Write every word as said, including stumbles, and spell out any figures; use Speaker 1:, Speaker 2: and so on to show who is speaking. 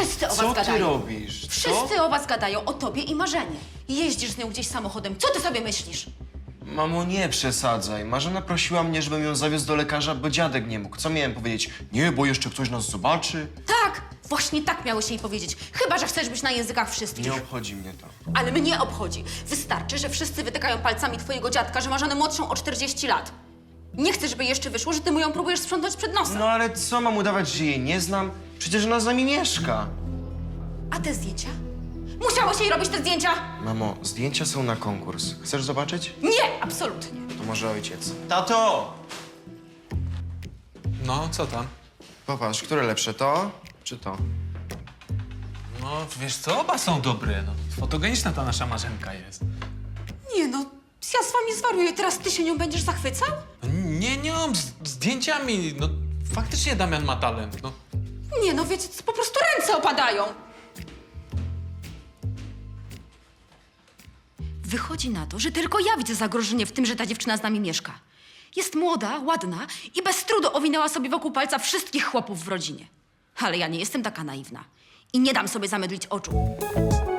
Speaker 1: Wszyscy o was
Speaker 2: Co ty
Speaker 1: gadają.
Speaker 2: robisz? Co?
Speaker 1: Wszyscy o was gadają, o tobie i Marzenie. Jeździsz z nią gdzieś samochodem. Co ty sobie myślisz?
Speaker 2: Mamo, nie przesadzaj. Marzena prosiła mnie, żebym ją zawiózł do lekarza, bo dziadek nie mógł. Co miałem powiedzieć? Nie, bo jeszcze ktoś nas zobaczy.
Speaker 1: Tak, właśnie tak miałeś jej powiedzieć. Chyba że chcesz być na językach wszystkich.
Speaker 2: Nie obchodzi mnie to.
Speaker 1: Ale mnie obchodzi. Wystarczy, że wszyscy wytykają palcami twojego dziadka, że ma żonę młodszą o czterdzieści lat. Nie chcę, żeby jeszcze wyszło, że ty mu ją próbujesz sprzątnąć przed nosem.
Speaker 2: No ale co, mam udawać, że jej nie znam? Przecież ona z nami mieszka.
Speaker 1: A te zdjęcia? Musiałeś jej robić te zdjęcia?
Speaker 2: Mamo, zdjęcia są na konkurs. Chcesz zobaczyć?
Speaker 1: Nie, absolutnie.
Speaker 2: To może ojciec. Tato!
Speaker 3: No, co tam?
Speaker 2: Popatrz, które lepsze, to czy to?
Speaker 3: No, wiesz co, oba są dobre, no. Fotogeniczna ta nasza Marzenka jest.
Speaker 1: Nie no, ja z wami zwariuję. Teraz ty się nią będziesz zachwycał?
Speaker 3: No, nie nią, z zdjęciami, no. Faktycznie Damian ma talent, no.
Speaker 1: Nie no, wiecie, co, po prostu ręce opadają. Wychodzi na to, że tylko ja widzę zagrożenie w tym, że ta dziewczyna z nami mieszka. Jest młoda, ładna i bez trudu owinęła sobie wokół palca wszystkich chłopów w rodzinie. Ale ja nie jestem taka naiwna i nie dam sobie zamydlić oczu.